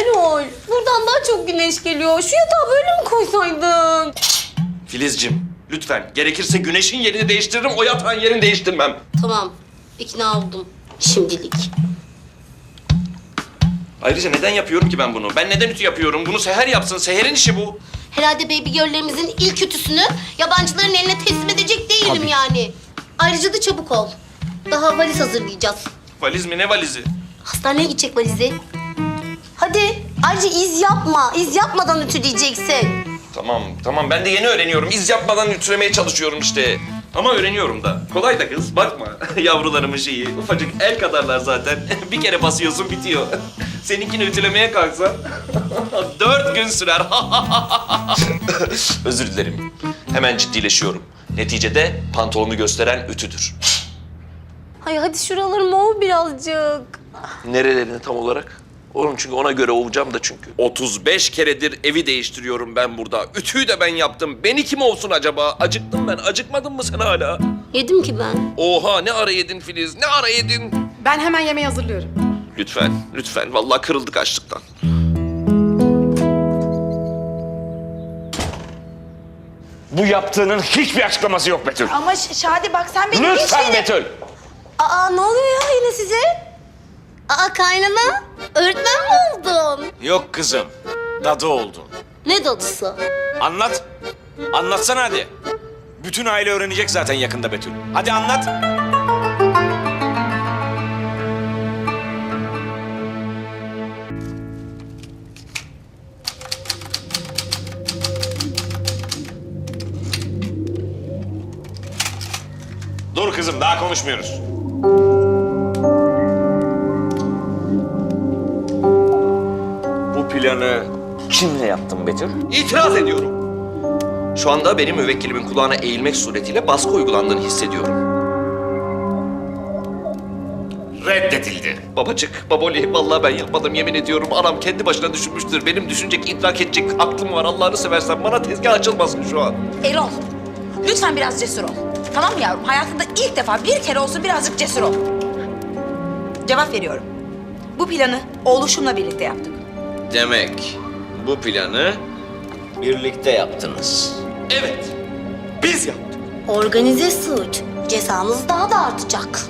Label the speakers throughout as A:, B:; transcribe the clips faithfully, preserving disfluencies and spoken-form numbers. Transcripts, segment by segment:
A: Erol, buradan daha çok güneş geliyor. Şu yatağı böyle mi koysaydın?
B: Filizcim, lütfen. Gerekirse güneşin yerini değiştiririm, o yatağın yerini değiştirmem.
A: Tamam, ikna oldum. Şimdilik.
B: Ayrıca neden yapıyorum ki ben bunu? Ben neden ütü yapıyorum? Bunu Seher yapsın. Seher'in işi bu.
A: Herhalde baby girl'lerimizin ilk ütüsünü yabancıların eline teslim edecek değilim
B: Tabii.
A: yani. Ayrıca da çabuk ol. Daha valiz hazırlayacağız.
B: Valiz mi? Ne valizi?
A: Hastaneye gidecek valizi. Hadi. Ayrıca iz yapma. İz yapmadan ütüleyeceksin.
B: Tamam, tamam. Ben de yeni öğreniyorum. İz yapmadan ütülemeye çalışıyorum işte. Ama öğreniyorum da. Kolay da kız. Bakma. Yavrularımın şeyi. Ufacık el kadarlar zaten. Bir kere basıyorsun bitiyor. Seninkini ütülemeye kalksan dört gün sürer. Özür dilerim. Hemen ciddileşiyorum. Neticede pantolonu gösteren ütüdür.
A: Hay hadi şuralarım ov birazcık.
B: Nerelerini tam olarak? Oğlum çünkü ona göre ovacağım da çünkü. otuz beş keredir evi değiştiriyorum ben burada. Ütüyü de ben yaptım. Beni kim ovsun acaba? Acıktım ben. Acıkmadın mı sen hala?
A: Yedim ki ben.
B: Oha ne ara yedin Filiz? Ne ara yedin?
C: Ben hemen yemeği hazırlıyorum.
B: Lütfen, lütfen. Vallahi kırıldık açlıktan.
D: Bu yaptığının hiçbir açıklaması yok Betül.
C: Ama Ş- Şadi bak sen benim hiç
D: Lütfen
C: benim...
D: Betül.
A: Aa ne oluyor ya yine size? Aa kaynana, öğretmen mi oldun?
D: Yok kızım, dadı oldun.
A: Ne dadısı?
D: Anlat. Anlatsana hadi. Bütün aile öğrenecek zaten yakında Betül. Hadi anlat. Dur kızım, daha konuşmuyoruz. Bu planı kimle yaptın Betül?
B: İtiraz ediyorum. Şu anda benim müvekkilimin kulağına eğilmek suretiyle baskı uygulandığını hissediyorum.
D: Reddedildi.
B: Babacık, baboli, vallahi ben yapmadım yemin ediyorum. Anam kendi başına düşünmüştür. Benim düşünecek, idrak edecek aklım var. Allah'ını seversen bana tezgah açılmasın şu an.
E: Erol, lütfen biraz cesur ol. Tamam mı yavrum? Hayatında ilk defa bir kere olsun birazcık cesur ol. Cevap veriyorum. Bu planı oğluşumla birlikte yaptık.
D: Demek bu planı birlikte yaptınız.
B: Evet, biz yaptık.
A: Organize suç. Cezamız daha da artacak.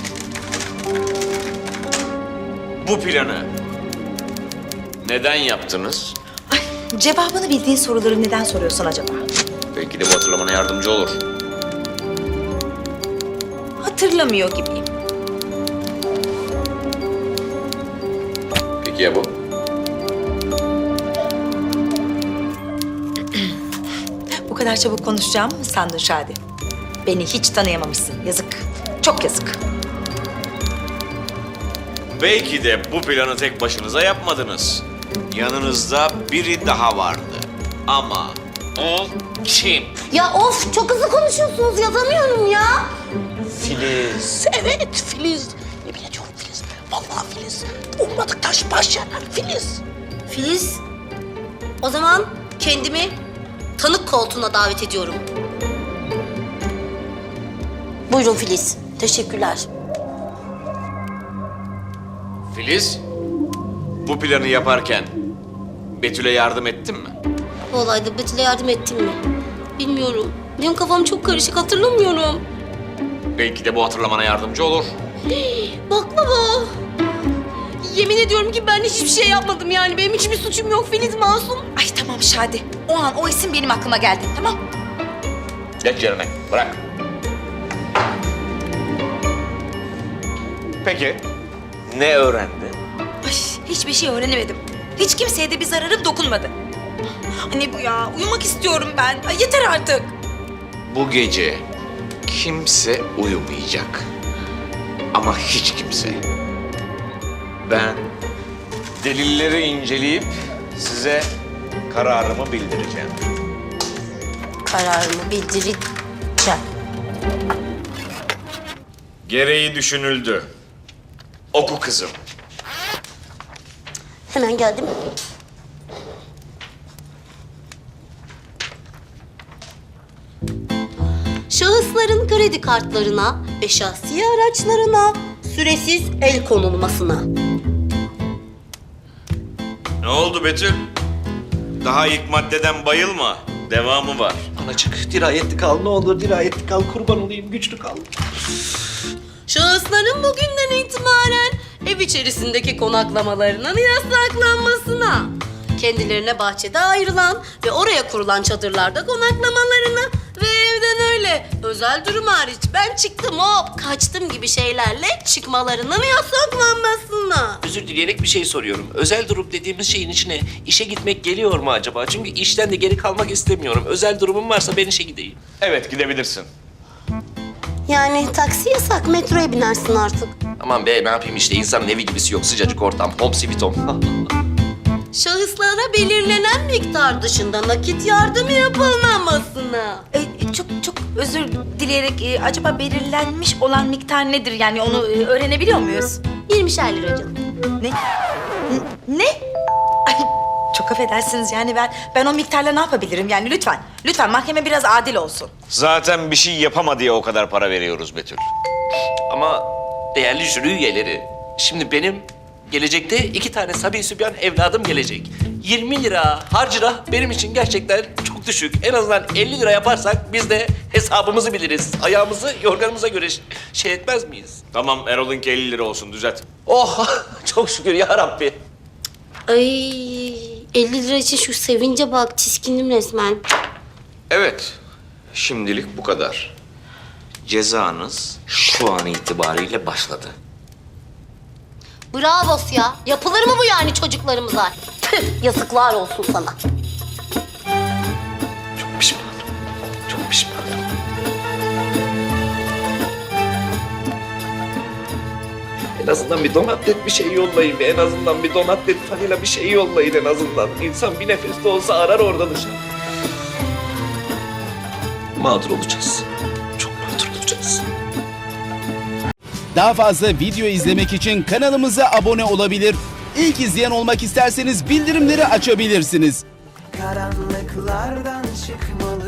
D: Bu planı neden yaptınız?
E: Ay, cevabını bildiğin soruları neden soruyorsun acaba?
D: Belki de bu hatırlamana yardımcı olur.
E: Hatırlamıyor gibiyim.
D: Peki ya bu?
E: Bu kadar çabuk konuşacağımı mı sandın Şadi? Beni hiç tanıyamamışsın. Yazık. Çok yazık.
D: Belki de bu planı tek başınıza yapmadınız. Yanınızda biri daha vardı. Ama o kim?
A: Ya of çok hızlı konuşuyorsunuz yazamıyorum ya.
D: Filiz.
F: Evet Filiz. Yemin ediyorum Filiz. Vallahi Filiz. Ummadık taş baş yarar Filiz.
A: Filiz, o zaman kendimi tanık koltuğuna davet ediyorum. Buyurun Filiz. Teşekkürler.
D: Filiz, bu planı yaparken Betül'e yardım ettin mi?
A: Bu olayda Betül'e yardım ettim mi? Bilmiyorum. Benim kafam çok karışık hatırlamıyorum.
D: Belki de bu hatırlamana yardımcı olur.
A: Bak baba. Yemin ediyorum ki ben hiçbir şey yapmadım yani. Benim hiçbir suçum yok. Filiz masum.
E: Ay tamam Şadi. O an o isim benim aklıma geldi. Tamam.
D: Geç yerine, bırak. Peki, ne öğrendin?
E: Ay hiçbir şey öğrenemedim. Hiç kimseye de bir zararım dokunmadı. Anne bu ya. Uyumak istiyorum ben. Ay yeter artık.
D: Bu gece kimse uyumayacak. Ama hiç kimse. Ben delilleri inceleyip size kararımı bildireceğim.
A: Kararımı bildireceğim.
D: Gereği düşünüldü. Oku kızım.
A: Hemen geldim. Şahısların kredi kartlarına ve şahsi araçlarına süresiz el konulmasına.
D: Ne oldu Betül? Daha ilk maddeden bayılma. Devamı var.
B: Anacık dirayetli kal ne olur dirayetli kal kurban olayım güçlü kal.
A: Şahısların bugünden itibaren ev içerisindeki konaklamalarının yasaklanmasına, kendilerine bahçede ayrılan ve oraya kurulan çadırlarda konaklamalarını ve evden öyle özel durum hariç ben çıktım hop kaçtım gibi şeylerle çıkmalarının yasaklanmasına.
B: Özür dileyerek bir şey soruyorum. Özel durum dediğimiz şeyin içine işe gitmek geliyor mu acaba? Çünkü işten de geri kalmak istemiyorum. Özel durumum varsa ben işe gideyim.
D: Evet gidebilirsin.
A: Yani taksi yasak, metroya binersin artık.
B: Aman be ne yapayım işte insanın evi gibisi yok. Sıcacık ortam. Home sweet home.
A: Şahıslara belirlenen miktar dışında nakit yardım yapılmamasına.
E: E, çok çok özür dileyerek e, acaba belirlenmiş olan miktar nedir? Yani onu e, öğrenebiliyor muyuz?
A: yirmişer lira canım.
E: Ne? N- ne? Ay, çok affedersiniz yani ben ben o miktarla ne yapabilirim yani lütfen. Lütfen mahkeme biraz adil olsun.
D: Zaten bir şey yapama diye o kadar para veriyoruz Betül.
B: Ama değerli jüri üyeleri, şimdi benim gelecekte iki tane sabi sübyan evladım gelecek. yirmi lira harcırah benim için gerçekten çok düşük. En azından elli lira yaparsak biz de hesabımızı biliriz. Ayağımızı yorganımıza göre ş- şey etmez miyiz?
D: Tamam Erol'unki elli lira olsun düzelt.
B: Oh çok şükür ya Rabbi.
A: Ay elli lira için şu sevince bak tiskindim resmen.
D: Evet. Şimdilik bu kadar. Cezanız şu an itibariyle başladı.
A: Bravo ya. Yapılır mı bu yani çocuklarımıza? Tüh, yazıklar olsun sana.
B: Çok pişmanım. Çok pişmanım. En azından bir donatlet bir şey yollayın. En azından bir donatlet fanila bir şey yollayın en azından. İnsan bir nefes de olsa arar orada dışarı. Mağdur olacağız. Çok mağdur olacağız.
G: Daha fazla video izlemek için kanalımıza abone olabilir. İlk izleyen olmak isterseniz bildirimleri açabilirsiniz.
H: Karanlıklardan çıkmalı